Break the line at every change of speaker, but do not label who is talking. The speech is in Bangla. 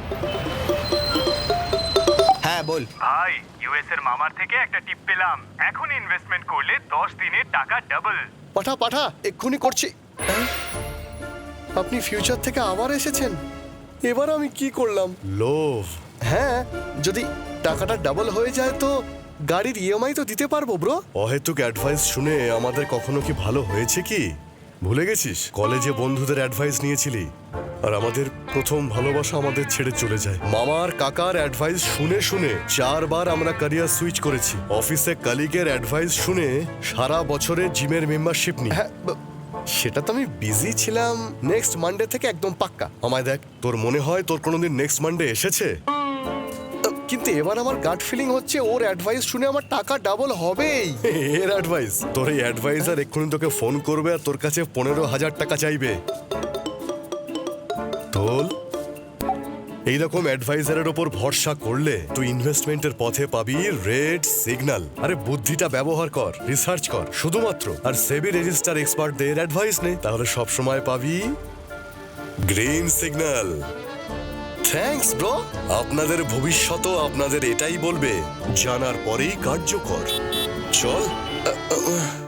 হ্যাঁ বল।
ভাই, ইউএস এর মামার থেকে একটা টিপ পেলাম। এখন ইনভেস্টমেন্ট করলে 10 দিনে টাকা ডাবল।
পাঠা পাঠা, এক্ষুনি করছি। আপনি ফিউচার থেকে আবার এসেছেন? এবার আমি কি করলাম?
লোভ।
হ্যাঁ, যদি টাকাটা ডাবল হয়ে যায় তো গাড়ির ইএমআই তো দিতে পারবো ব্রো।
অহেতুক অ্যাডভাইস শুনে আমাদের কখনো কি ভালো হয়েছে কি? ভুলে গেছিস কলেজে বন্ধুদের অ্যাডভাইস নিয়েছিলি, আর আমাদের প্রথম ভালোবাসা আমাদের ছেড়ে চলে যায়। মামার কাকার অ্যাডভাইস শুনে শুনে 4 বার আমরা ক্যারিয়ার সুইচ করেছি। অফিসে কলিগের অ্যাডভাইস শুনে সারা বছরে জিমের মেম্বারশিপ নিই।
হ্যাঁ, সেটা তো আমি বিজি ছিলাম। নেক্সট মানডে থেকে একদম পাক্কা।
আমায় দেখ, তোর মনে হয় তোর কোনোদিন নেক্সট মানডে এসেছে?
কিন্তু এবার আমার গাট ফিলিং হচ্ছে ওর অ্যাডভাইস শুনে আমার টাকা ডাবল হবেই।
এর অ্যাডভাইস? তোর এই অ্যাডভাইজার এক্ষুনি তোকে ফোন করবে আর তোর কাছে 15,000 টাকা চাইবে। তোল, এইরকম অ্যাডভাইজারের ওপর ভরসা করলে তুই ইনভেস্টমেন্টের পথে পাবি রেড সিগন্যাল। আরে বুদ্ধিটা ব্যবহার কর, রিসার্চ কর শুধুমাত্র, আর সেবি রেজিস্টার এক্সপার্টদের অ্যাডভাইস নে, তাহলে সব সময় পাবি গ্রিন সিগন্যাল। Thanks bro. আপনাদের ভবিষ্যৎও আপনাদের এটাই বলবে, জানার পরেই কার্যকর। চল।